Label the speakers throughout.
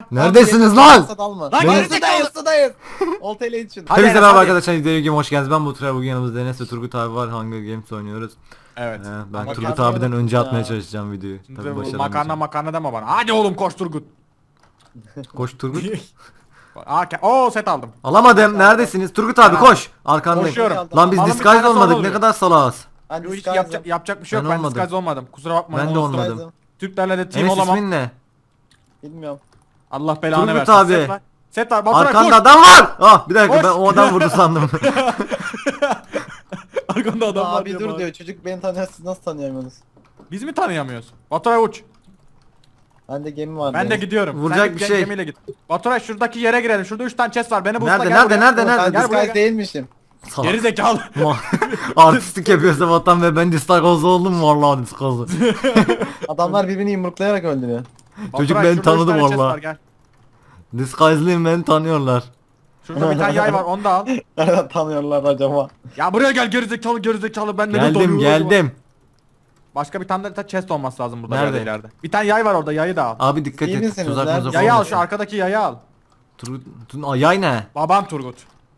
Speaker 1: Neredesiniz lan?
Speaker 2: Dalma.
Speaker 3: Lan
Speaker 1: Beni-
Speaker 2: Sudayız. Oltayla için.
Speaker 3: Hadi
Speaker 1: Hepinize
Speaker 3: Enes,
Speaker 1: merhaba
Speaker 3: hadi.
Speaker 1: arkadaşlar. Video Game hoş geldiniz. Ben Baturay. Bugün yanımızda Enes ve Turgut abi var. Hunger Games oynuyoruz.
Speaker 3: Evet.
Speaker 1: Ben
Speaker 2: Ama
Speaker 1: Turgut
Speaker 2: kendimi
Speaker 1: abiden önce
Speaker 2: ya.
Speaker 1: atmaya çalışacağım videoyu. Tabii
Speaker 3: Makarna
Speaker 1: başaramayacağım.
Speaker 3: makarna deme bana. Hadi oğlum koş Turgut.
Speaker 1: Koş Turgut.
Speaker 3: Set aldım.
Speaker 1: Alamadım. Neredesiniz? Turgut abi koş. Arkandayım.
Speaker 3: Koşuyorum.
Speaker 1: Lan biz
Speaker 3: Alın bir
Speaker 1: disguise
Speaker 3: tane
Speaker 1: olmadık.
Speaker 3: solo
Speaker 1: Ne
Speaker 3: oluyor.
Speaker 1: kadar salağız.
Speaker 2: Ben
Speaker 3: Hiç
Speaker 2: disguise'ım.
Speaker 3: yapacak bir şey yok.
Speaker 1: Ben
Speaker 3: Ben
Speaker 1: olmadım.
Speaker 3: disguise olmadım. Kusura bakmayın.
Speaker 1: Ben de
Speaker 3: olsun.
Speaker 1: olmadım.
Speaker 2: Disguise'ım.
Speaker 3: Türklerle de team
Speaker 1: Enes
Speaker 3: olamam.
Speaker 1: ismin ne?
Speaker 2: Bilmiyorum.
Speaker 3: Allah belanı
Speaker 1: Turgut
Speaker 3: versin.
Speaker 1: abi.
Speaker 3: Set var. Set var. Baturay
Speaker 1: Arkanda
Speaker 3: koş.
Speaker 1: adam var. Ah bir dakika
Speaker 3: Koş.
Speaker 1: ben o adam vurdu sandım.
Speaker 3: Arkanda adam var
Speaker 2: Abi
Speaker 3: diyor
Speaker 2: dur
Speaker 3: bana.
Speaker 2: diyor. Çocuk beni tanıyor, siz nasıl tanıyamıyorsunuz?
Speaker 3: Biz mi tanıyamıyoruz? Baturay uç.
Speaker 2: Bende gemi var.
Speaker 3: Ben de
Speaker 2: diyor.
Speaker 3: gidiyorum.
Speaker 1: Vuracak
Speaker 3: Sen
Speaker 1: bir
Speaker 3: git,
Speaker 1: şey.
Speaker 3: Gemiyle git. Baturay şuradaki yere girelim. Şurada 3 tane chest var. Beni bulsa
Speaker 1: Nerede,
Speaker 3: gel
Speaker 1: nerede,
Speaker 3: buraya.
Speaker 1: nerede,
Speaker 2: Ben
Speaker 1: nerede?
Speaker 3: Gel buraya,
Speaker 2: disguise
Speaker 3: gel.
Speaker 2: değilmişim.
Speaker 1: Salak.
Speaker 3: Geri zekalı.
Speaker 1: Artistik yapıyorsa vatan ve ben disguise oldum vallahi disguise.
Speaker 2: Adamlar birbirini yumruklayarak öldürüyor.
Speaker 1: Çocuk
Speaker 3: Baturay,
Speaker 1: beni
Speaker 3: şurada üç
Speaker 1: tanıdı
Speaker 3: tane chest
Speaker 1: vallahi.
Speaker 3: var, gel.
Speaker 1: Disguise'lıyım beni tanıyorlar.
Speaker 3: Şurada bir tane yay var onu da al.
Speaker 2: Nereden tanıyorlar acaba?
Speaker 3: Ya buraya gel gerizekalı ben neden
Speaker 1: Geldim
Speaker 3: donuyorum acaba?
Speaker 1: geldim.
Speaker 3: Başka bir tane de chest olması lazım burada
Speaker 1: Nerede?
Speaker 3: ileride. Bir tane yay var orada yayı da al.
Speaker 1: Abi dikkat
Speaker 2: İyi
Speaker 1: et.
Speaker 2: misiniz?
Speaker 1: Tuzak
Speaker 2: Nerede?
Speaker 1: muzak
Speaker 3: Yayı al
Speaker 1: olmasın.
Speaker 3: şu arkadaki yayı al.
Speaker 1: Yay ne?
Speaker 3: Babam Turgut.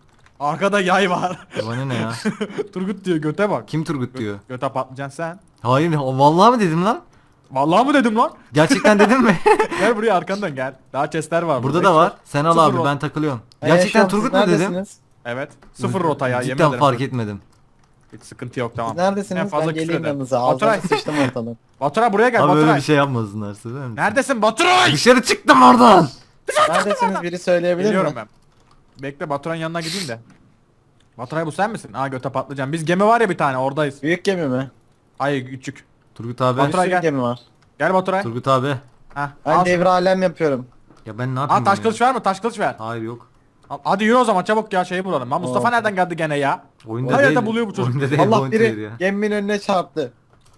Speaker 3: Arkada yay var.
Speaker 1: Bana ne ya?
Speaker 3: Turgut diyor göte bak.
Speaker 1: Kim Turgut diyor?
Speaker 3: Göte patlayacaksın sen.
Speaker 1: Hayır vallahi mı dedim lan?
Speaker 3: Vallahi mı dedim lan?
Speaker 1: Gerçekten dedim mi?
Speaker 3: Gel buraya arkandan gel. Daha chestler var
Speaker 1: Burada da var. Sen al
Speaker 3: Sıfır
Speaker 1: abi
Speaker 3: rot.
Speaker 1: ben takılıyorum.
Speaker 2: Ben
Speaker 1: Gerçekten
Speaker 2: yaşıyorum,
Speaker 1: Turgut
Speaker 2: siz
Speaker 1: mu dedim?
Speaker 2: neredesiniz?
Speaker 3: Evet. Sıfır rota ya yemin
Speaker 1: Cidden
Speaker 3: ederim.
Speaker 1: fark etmedim.
Speaker 3: Hiç sıkıntı yok tamam.
Speaker 2: Siz neredesiniz?
Speaker 3: En fazla
Speaker 2: Ben
Speaker 3: küfür
Speaker 2: geleyim
Speaker 3: ederim.
Speaker 2: yanınıza.
Speaker 3: Baturay.
Speaker 2: Ağzına sıçtım ortalığı.
Speaker 3: Baturay buraya gel
Speaker 1: Abi öyle
Speaker 3: Baturay.
Speaker 1: bir şey yapmasınlar söyler misin?
Speaker 3: Neredesin Baturay?
Speaker 1: Dışarı çıktım oradan.
Speaker 2: Neredesiniz? Biri söyleyebilir
Speaker 3: Geliyorum
Speaker 2: mi?
Speaker 3: ben. Bekle Baturay'ın yanına gideyim de. Baturay bu sen misin? Aa göte patlayacağım. Biz gemi var ya bir tane oradayız.
Speaker 2: Büyük gemi mi?
Speaker 3: Hayır küçük.
Speaker 1: Turgut abi.
Speaker 3: Baturay
Speaker 2: Bir
Speaker 3: gel.
Speaker 2: gemi var.
Speaker 3: Gel Baturay.
Speaker 1: Turgut abi.
Speaker 3: Heh.
Speaker 2: Ben
Speaker 3: Al
Speaker 2: devre
Speaker 3: şunu.
Speaker 2: alem yapıyorum.
Speaker 1: Ya ben ne yapayım
Speaker 3: Aa taş
Speaker 1: ya?
Speaker 3: kılıç ver mi? Taş kılıç ver.
Speaker 1: Hayır yok.
Speaker 3: Hadi yürü o zaman çabuk ya şeyi bulalım. Lan Mustafa
Speaker 2: Oo.
Speaker 3: nereden geldi gene ya?
Speaker 1: Oyunda
Speaker 3: Her yerde
Speaker 1: değil.
Speaker 3: buluyor bu çocuk.
Speaker 1: Oyunda değil.
Speaker 2: Allah
Speaker 1: Bounty değil
Speaker 2: biri
Speaker 1: ya.
Speaker 2: geminin önüne çarptı.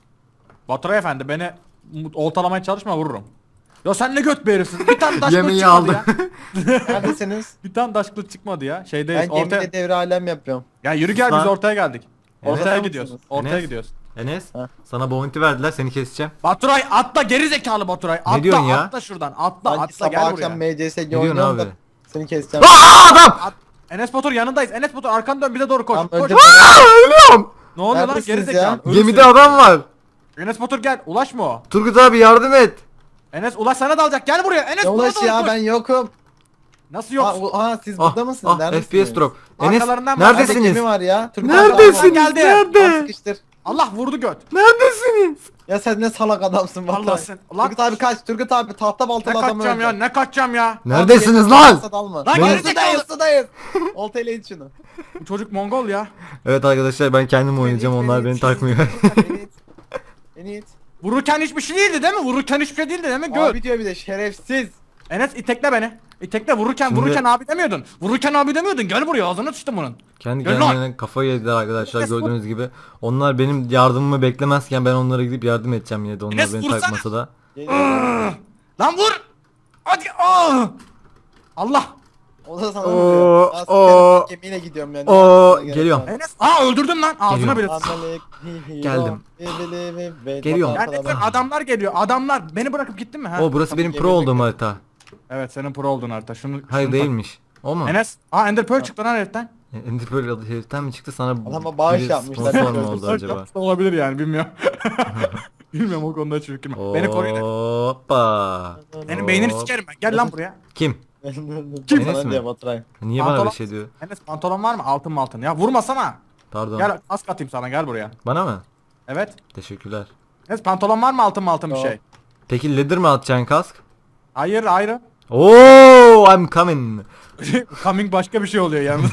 Speaker 3: Baturay efendi beni oltalamaya çalışma vururum. Ya sen ne göt bir herifsin. Bir tane taş kılıç
Speaker 1: Yemeği
Speaker 3: çıkmadı
Speaker 1: aldı.
Speaker 3: ya.
Speaker 2: Neredesiniz?
Speaker 3: Bir tane taş kılıç çıkmadı ya.
Speaker 2: Ben
Speaker 3: Şeydeyiz. Ortaya.
Speaker 2: gemide devre alem yapıyorum.
Speaker 3: Ya yürü gel biz
Speaker 1: Lan.
Speaker 3: ortaya geldik.
Speaker 1: Evet.
Speaker 3: Ortaya
Speaker 2: Enes
Speaker 3: gidiyoruz.
Speaker 2: misiniz?
Speaker 3: Ortaya
Speaker 1: Enes.
Speaker 3: gidiyoruz.
Speaker 1: Enes
Speaker 2: Ha.
Speaker 1: sana bounty verdiler seni keseceğim.
Speaker 3: Baturay atla geri zekalı Baturay. Atla
Speaker 1: diyorsun ya?
Speaker 3: atla şuradan. Atla
Speaker 2: Ben
Speaker 3: atla
Speaker 2: sabah
Speaker 3: gel
Speaker 2: akşam
Speaker 3: buraya.
Speaker 2: MCSG
Speaker 1: Ne diyorsun
Speaker 2: oynuyorum da
Speaker 1: abi?
Speaker 2: seni keseceğim.
Speaker 1: Aa adam!
Speaker 3: Enes Batur yanındayız. Enes Batur arkanı dön bize doğru koş.
Speaker 2: Tamam,
Speaker 3: Koş.
Speaker 2: önce
Speaker 1: Ölüyorum.
Speaker 3: Ne oluyor lan
Speaker 2: Neredesiniz
Speaker 3: geri zekalı.
Speaker 2: ya?
Speaker 3: Ölürsün.
Speaker 1: Gemide adam var.
Speaker 3: Enes Batur gel. Ulaşma o.
Speaker 1: Turgut abi yardım et.
Speaker 3: Enes Ulaş sana dalacak. Gel buraya. Enes
Speaker 2: ne
Speaker 3: bana
Speaker 2: ulaş
Speaker 3: doğru
Speaker 2: ya
Speaker 3: koş.
Speaker 2: ben yokum.
Speaker 3: Nasıl yok?
Speaker 2: Siz burada mısınız? Neredesiniz?
Speaker 1: FPS drop. Enes
Speaker 3: Arkalarından bak.
Speaker 2: Nerede
Speaker 1: neredesiniz?
Speaker 2: gemi var ya? Turgut abi
Speaker 1: Neredesiniz?
Speaker 3: Geldi.
Speaker 1: Nerede?
Speaker 2: Sıkıştır.
Speaker 3: Allah vurdu göt.
Speaker 1: Neredesiniz?
Speaker 2: Ya sen ne salak adamsın
Speaker 3: Allah
Speaker 2: vallahi.
Speaker 3: sen- Lan-
Speaker 2: Turgut abi kaç. Turgut abi tahta
Speaker 3: Ne
Speaker 2: baltalı adamı
Speaker 3: kaçacağım ya? Ne kaçacağım ya?
Speaker 1: Neredesiniz lan?
Speaker 2: Dalma.
Speaker 3: Lan
Speaker 2: Lan
Speaker 3: gerizekalı.
Speaker 2: sudayız sudayız. Oltayla it şunu.
Speaker 3: Bu çocuk Mongol ya.
Speaker 1: Evet arkadaşlar ben kendim oynayacağım onlar beni takmıyor.
Speaker 2: Beni it. Beni it.
Speaker 3: Vururken hiçbir şey değildi değil mi? Vururken hiçbir şey değildi değil mi? Göt.
Speaker 2: Abi diyor bir de şerefsiz.
Speaker 3: Enes itekle beni. İtekle vururken
Speaker 1: Şimdi-
Speaker 3: vururken abi demiyordun. Vururken abi demiyordun. Gel buraya ağzına sıçtım bunun.
Speaker 1: Kendi
Speaker 3: Gel lan.
Speaker 1: kendine kafayı yediler arkadaşlar gördüğünüz gibi. Onlar benim yardımımı beklemezken ben onlara gidip yardım edeceğim yine de onlar
Speaker 3: Enes,
Speaker 1: beni
Speaker 3: vursana.
Speaker 1: takmasa da.
Speaker 3: Lan vur. Hadi. Aa! Allah.
Speaker 2: O da sana
Speaker 1: Oo,
Speaker 2: vuruyor. Ben
Speaker 1: oo.
Speaker 2: senin gemiyle gidiyorum yani.
Speaker 1: Oo, geliyorum.
Speaker 3: Enes. Aa öldürdüm lan. Ağzına bile.
Speaker 1: Geldim. Geliyorum.
Speaker 3: Neredesin? Adamlar geliyor. Adamlar. Beni bırakıp gittin mi? Ha?
Speaker 1: O burası benim pro olduğum harita.
Speaker 3: Evet senin pro oldun harita. Şunu.
Speaker 1: Hayır
Speaker 3: şunu tak.
Speaker 1: değilmiş. O mu?
Speaker 3: Enes. Aa Ender Pearl çıktı lan heriften.
Speaker 1: Ender Pearl adı heriften mi çıktı sana
Speaker 2: Adama bağış
Speaker 1: biri
Speaker 2: yapmışlar.
Speaker 1: sponsor mu oldu acaba?
Speaker 3: Yapsa olabilir yani bilmiyorum. Bilmiyorum o konuda çünkü. Beni koruyun.
Speaker 1: Hoppa.
Speaker 3: Benim beynini
Speaker 1: Hop.
Speaker 3: sikerim ben. Gel lan buraya.
Speaker 1: Kim?
Speaker 2: Kim
Speaker 1: Enes
Speaker 2: sana
Speaker 1: mi?
Speaker 2: diyor Baturay.
Speaker 1: Niye bana
Speaker 3: Pantolon-
Speaker 1: bir şey diyor?
Speaker 3: Enes pantolon var mı? Altın mı altın? Ya vurmasana.
Speaker 1: Pardon.
Speaker 3: Gel az katayım sana gel buraya.
Speaker 1: Bana mı?
Speaker 3: Evet.
Speaker 1: Teşekkürler.
Speaker 3: Enes pantolon var mı altın mı altın bir
Speaker 2: Yok.
Speaker 3: şey?
Speaker 1: Peki leather mi atacaksın kask?
Speaker 3: Hayır ayrı.
Speaker 1: Oo, I'm coming.
Speaker 3: Coming başka bir şey oluyor yalnız.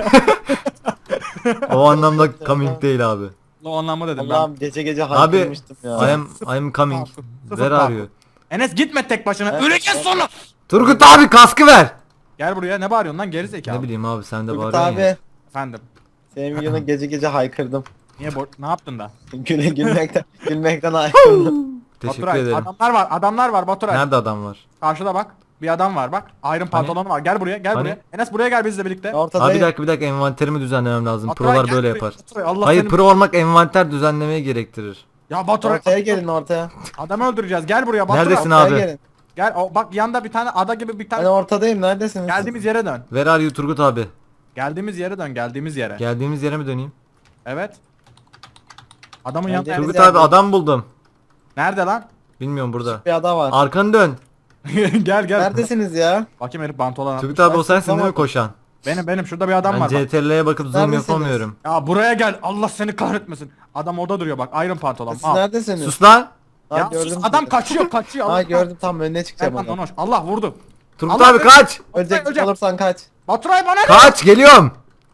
Speaker 1: O anlamda coming değil abi.
Speaker 3: O anlamda dedim ben.
Speaker 2: Allah'ım gece gece
Speaker 1: Abi
Speaker 2: haykırmıştım ya.
Speaker 1: I am coming.
Speaker 3: Sıfır
Speaker 1: Ver
Speaker 3: farkı.
Speaker 1: arıyor.
Speaker 3: Enes gitme tek başına.
Speaker 2: Evet,
Speaker 3: Öleceğiz
Speaker 2: evet.
Speaker 3: sonra.
Speaker 1: Turgut abi kaskı ver.
Speaker 3: Gel buraya ne bağırıyorsun lan geri zekalı.
Speaker 1: Ne bileyim abi sen de
Speaker 2: Turgut
Speaker 1: bağırıyorsun ya.
Speaker 2: abi.
Speaker 3: Efendim.
Speaker 2: Senin videonu gece gece haykırdım.
Speaker 3: Niye ne yaptın da?
Speaker 2: Gülmekten haykırdım.
Speaker 1: Teşekkür
Speaker 3: Baturay,
Speaker 1: ederim.
Speaker 3: adamlar var Baturay.
Speaker 1: Nerede adam var?
Speaker 3: Karşıda bak. Bir adam var bak. Iron pantolonu var. Gel buraya gel
Speaker 1: Hani?
Speaker 3: buraya. Enes buraya gel bizle birlikte.
Speaker 1: Abi
Speaker 2: Ortadayım.
Speaker 1: bir dakika envanterimi düzenlemem lazım.
Speaker 3: Baturay,
Speaker 1: Prolar
Speaker 3: gel
Speaker 1: böyle
Speaker 3: buraya.
Speaker 1: yapar.
Speaker 3: Baturay, Allah
Speaker 1: Hayır
Speaker 3: seni-
Speaker 1: pro olmak envanter düzenlemeyi gerektirir.
Speaker 3: Ya Baturay
Speaker 2: Ortaya gelin ortaya.
Speaker 3: adamı öldüreceğiz. Gel buraya Baturay.
Speaker 1: Neredesin
Speaker 2: Ortaya
Speaker 1: abi?
Speaker 2: gelin.
Speaker 3: Gel bak yanda bir tane ada gibi bir
Speaker 2: Ben
Speaker 3: tane.
Speaker 2: ortadayım, neredesiniz?
Speaker 3: Geldiğimiz yere dön.
Speaker 1: Where are you Turgut abi?
Speaker 3: Geldiğimiz yere dön, geldiğimiz yere.
Speaker 1: Geldiğimiz yere mi döneyim?
Speaker 3: Evet. Adamın
Speaker 2: Geldi.
Speaker 3: yanında.
Speaker 1: Turgut
Speaker 2: yerde.
Speaker 1: abi adam buldum.
Speaker 3: Nerede lan?
Speaker 1: Bilmiyorum burada.
Speaker 2: Bir ada var.
Speaker 1: Arkanı dön.
Speaker 3: Gel gel.
Speaker 2: Neredesiniz ya?
Speaker 3: Bakayım herif pantolon
Speaker 1: Turgut
Speaker 3: atmış.
Speaker 1: abi o sensin değil mi
Speaker 2: Tamam.
Speaker 1: koşan?
Speaker 3: Benim şurada bir adam
Speaker 1: Ben
Speaker 3: var. bak.
Speaker 1: CTRL'ye bakıp zoom
Speaker 2: Neredesiniz?
Speaker 1: yapamıyorum.
Speaker 3: Ya buraya gel. Allah seni kahretmesin. Adam orada duruyor bak. Iron pantolon.
Speaker 2: Siz
Speaker 3: Al.
Speaker 2: neredesiniz?
Speaker 1: Sus lan.
Speaker 2: Ha,
Speaker 3: Ya
Speaker 2: gördüm
Speaker 3: sus, adam
Speaker 2: sizi.
Speaker 3: kaçıyor.
Speaker 2: Ha
Speaker 3: Allah
Speaker 2: gördüm, tam önüne çıkacağım
Speaker 3: Erman
Speaker 2: onu.
Speaker 3: Donoş. Allah vurdu.
Speaker 1: Turgut
Speaker 3: Allah
Speaker 1: abi
Speaker 3: seni-
Speaker 1: kaç.
Speaker 2: Ölecek
Speaker 3: Öleceğim.
Speaker 2: olursan kaç.
Speaker 3: Baturay bana ne?
Speaker 1: Kaç geliyorum.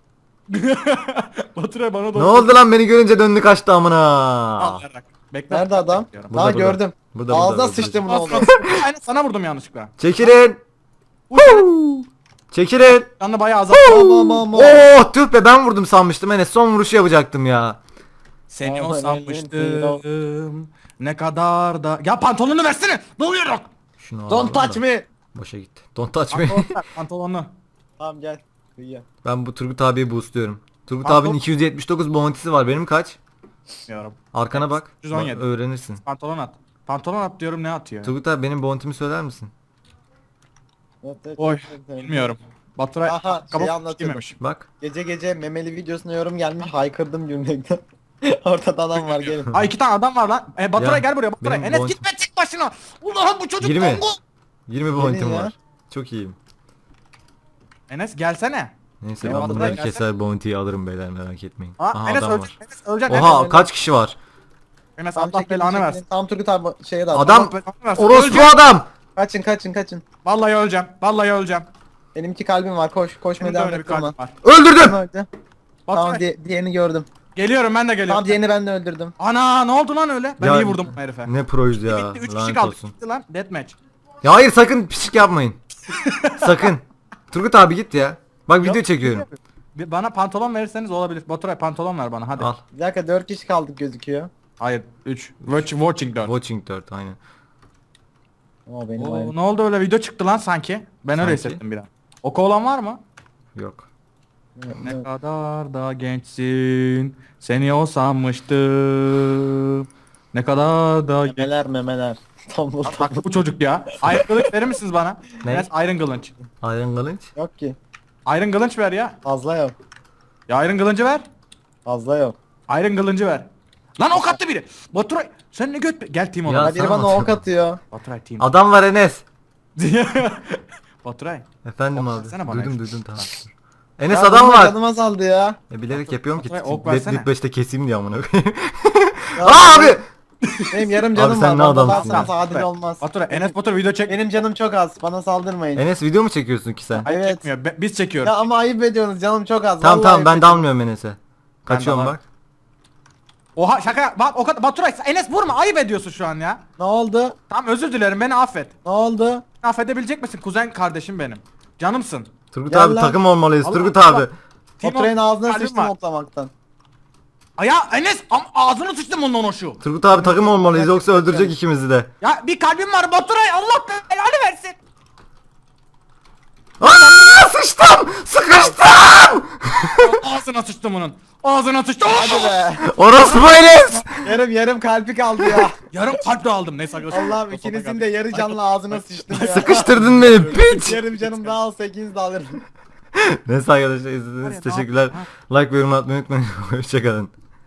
Speaker 3: Baturay bana
Speaker 1: Ne
Speaker 3: doğru.
Speaker 1: oldu lan beni görünce döndü kaçtı amına.
Speaker 3: Al, yarrak. Bekle.
Speaker 2: Nerede adam?
Speaker 3: Bekliyorum.
Speaker 1: Burada,
Speaker 2: Ha
Speaker 1: burada.
Speaker 2: gördüm.
Speaker 1: Burada,
Speaker 2: Ağzına
Speaker 1: burada,
Speaker 2: sıçtım
Speaker 3: Al,
Speaker 2: bunu
Speaker 3: al.
Speaker 2: oldu.
Speaker 3: Aynen sana vurdum yanlışlıkla.
Speaker 1: Çekilin.
Speaker 3: Bu sene
Speaker 1: Çekilin.
Speaker 3: canını bayağı azalt.
Speaker 2: Aman.
Speaker 1: Oh tüh be ben vurdum sanmıştım Enes son vuruşu yapacaktım ya.
Speaker 3: Seni o
Speaker 2: Aman,
Speaker 3: sanmıştım. Ne kadar da... Ya pantolonu versene. Doluyorum.
Speaker 1: Şunu
Speaker 2: Don't
Speaker 1: alalım
Speaker 2: touch
Speaker 1: da.
Speaker 2: me.
Speaker 1: Boşa gitti. Don't touch me.
Speaker 3: Pantolonu.
Speaker 2: Tamam gel. Kıyıya.
Speaker 1: Ben bu Turgut abiyi boostluyorum. Turgut
Speaker 3: Pantolon-
Speaker 1: abinin 279 bounty'si var benim kaç?
Speaker 3: Bilmiyorum.
Speaker 1: Arkana bak.
Speaker 3: 117.
Speaker 1: Bak, öğrenirsin.
Speaker 3: Pantolon at. Pantolon at diyorum ne atıyor?
Speaker 1: Turgut abi benim bounty'mi söyler misin?
Speaker 3: Oy. Bilmiyorum. Baturay
Speaker 2: Aha,
Speaker 3: kabuk
Speaker 2: şeyi anlatıyorum.
Speaker 3: giymemiş.
Speaker 1: Bak.
Speaker 2: Gece gece memeli videosuna yorum gelmiş, haykırdım gülmekten. Ortada adam var, gelin.
Speaker 3: Ay iki tane adam var lan. Baturay
Speaker 1: Ya,
Speaker 3: gel buraya Baturay.
Speaker 1: benim
Speaker 3: Enes
Speaker 1: bounty-
Speaker 3: gitme tek başına. Ulan bu çocuk
Speaker 1: 20.
Speaker 3: Kongo.
Speaker 1: 20 bounty'm
Speaker 2: ya.
Speaker 1: var. Çok iyiyim.
Speaker 3: Enes gelsene.
Speaker 1: Neyse
Speaker 3: Ya
Speaker 1: ben
Speaker 3: Baturay
Speaker 1: bunları
Speaker 3: gelsene.
Speaker 1: keser bounty'yi alırım beyler merak etmeyin.
Speaker 3: Ha,
Speaker 1: Aha
Speaker 3: Enes
Speaker 1: adam
Speaker 3: ölecek.
Speaker 1: var.
Speaker 3: Enes ölecek.
Speaker 1: Oha
Speaker 2: Enes.
Speaker 1: kaç kişi var?
Speaker 3: Enes
Speaker 2: Tam
Speaker 3: Allah
Speaker 2: çekilin,
Speaker 3: belanı
Speaker 2: çekilin.
Speaker 3: versin.
Speaker 2: Tam Turgut abi şeye dal.
Speaker 1: Adam
Speaker 3: Allah belanı versin.
Speaker 1: orospu
Speaker 3: Öleceğim.
Speaker 1: adam.
Speaker 2: Kaçın.
Speaker 3: Vallahi öleceğim. Vallahi öleceğim.
Speaker 2: Benim 2 kalbim var, koşmaya
Speaker 3: Benim de
Speaker 2: devam
Speaker 3: öyle bir
Speaker 2: et durma.
Speaker 3: kalbim var.
Speaker 1: Öldürdüm.
Speaker 2: Öldü.
Speaker 3: Baturay.
Speaker 2: Tamam diğerini gördüm.
Speaker 3: Geliyorum ben de geliyorum.
Speaker 2: Tamam diğerini ben de öldürdüm.
Speaker 3: Ana ne oldu lan öyle? Ben
Speaker 1: Ya,
Speaker 3: iyi vurdum bu herife.
Speaker 1: Ne proydu ya.
Speaker 3: Bitti 3 kişi
Speaker 1: Lanet
Speaker 3: kaldık.
Speaker 1: olsun.
Speaker 3: Bitti lan. Deathmatch.
Speaker 1: Ya hayır sakın pislik yapmayın. Sakın. Turgut abi git ya. Bak video çekiyorum.
Speaker 3: Bana pantolon verirseniz olabilir. Baturay pantolon ver bana hadi.
Speaker 1: Al.
Speaker 2: Bir dakika, 4 kişi kaldık gözüküyor.
Speaker 3: Hayır 3. Watching 4.
Speaker 1: Watching 4 aynen.
Speaker 2: Oo benim
Speaker 3: Oo,
Speaker 2: ayım.
Speaker 3: ne oldu öyle video çıktı lan sanki. Ben öyle
Speaker 1: Sanki.
Speaker 3: hissettim bir an. Oku olan var mı?
Speaker 1: Yok.
Speaker 3: Ne kadar da gençsin. Seni o sanmıştım. Ne kadar da
Speaker 2: Memeler. Tombul tombul.
Speaker 3: Bak bu çocuk ya. Iron kılıç verir misiniz bana?
Speaker 1: Ne?
Speaker 3: Enes Iron kılıç.
Speaker 1: Iron Kılıç.
Speaker 2: Yok ki.
Speaker 3: Iron kılıç ver ya.
Speaker 2: Fazla yok.
Speaker 3: Ya Iron kılıcı ver.
Speaker 2: Fazla yok.
Speaker 3: Iron kılıcı ver. Lan ok attı biri. Baturay sen ne göt gel team
Speaker 1: Ya
Speaker 3: olarak.
Speaker 2: Ha, biri
Speaker 1: sana
Speaker 2: bana ok
Speaker 1: atıyorum.
Speaker 2: atıyor.
Speaker 3: Baturay team.
Speaker 1: Adam var Enes.
Speaker 3: Baturay.
Speaker 1: Efendim
Speaker 3: Ok
Speaker 1: abi.
Speaker 3: versene bana.
Speaker 1: Duydum tamam. Enes
Speaker 2: Ya
Speaker 1: adam
Speaker 2: bunlar
Speaker 1: var.
Speaker 2: Canım azaldı ya.
Speaker 1: Bilerek yapıyorum ki.
Speaker 3: Baturay, ok
Speaker 1: Dead
Speaker 3: versene.
Speaker 1: 5'te keseyim diye amına koyayım.
Speaker 2: Ya
Speaker 1: Aa abi.
Speaker 2: Benim yarım canım
Speaker 1: sen
Speaker 2: var.
Speaker 1: ne
Speaker 2: Bana
Speaker 1: adamsın
Speaker 2: dalsanız
Speaker 3: ya.
Speaker 2: adil
Speaker 3: Baturay,
Speaker 2: olmaz.
Speaker 3: Baturay Enes Batur video çek.
Speaker 2: Benim canım çok az. Bana saldırmayın.
Speaker 1: Enes video mu çekiyorsun ki sen?
Speaker 3: Hayır
Speaker 2: Evet.
Speaker 3: çekmiyor. Biz çekiyoruz.
Speaker 2: Ya ama ayıp ediyorsunuz. Canım çok az.
Speaker 1: Tamam
Speaker 2: vallahi
Speaker 1: tamam
Speaker 2: ayıp
Speaker 1: ben
Speaker 2: ediyorsunuz.
Speaker 1: dalmıyorum Enes'e. Kaçıyorum
Speaker 3: dalarım.
Speaker 1: bak.
Speaker 3: Oha şaka bak o kadar Baturay Enes vurma ayıp ediyorsun şu an ya.
Speaker 2: Ne oldu?
Speaker 3: Tamam özür dilerim beni affet.
Speaker 2: Ne oldu?
Speaker 3: Beni affedebilecek misin kuzen kardeşim benim. Canımsın.
Speaker 1: Turgut
Speaker 2: Gel
Speaker 1: abi
Speaker 2: lan.
Speaker 1: takım olmalıyız.
Speaker 3: Allah
Speaker 1: Turgut
Speaker 3: Allah.
Speaker 1: abi.
Speaker 2: Oturayın ağzına
Speaker 3: kalbim
Speaker 2: sıçtım
Speaker 3: var.
Speaker 2: oklamaktan.
Speaker 3: Ya Enes ağzını sıçtım ondan o şu.
Speaker 1: Turgut abi takım olmalıyız yoksa öldürecek ikimizi de.
Speaker 3: Ya bir kalbim var Baturay Allah belanı versin.
Speaker 1: Aa sıçtım! Sıkıştım!
Speaker 3: Ağzına sıçtım onun. Ağzına sıçtım.
Speaker 2: Hadi be.
Speaker 1: Orospu Enes!
Speaker 2: yarım kalbi kaldı ya.
Speaker 3: Yarım kalp de aldım neyse.
Speaker 2: Allah'ım ikinizin de yarı canlı ağzına sıçtım ya.
Speaker 1: Sıkıştırdın beni piç!
Speaker 2: Yarım canım daha olsa ikiniz de alırım.
Speaker 1: Neyse arkadaşlar izlediğiniz için teşekkürler. Like ve yorum atmayı unutmayın. Hoşçakalın.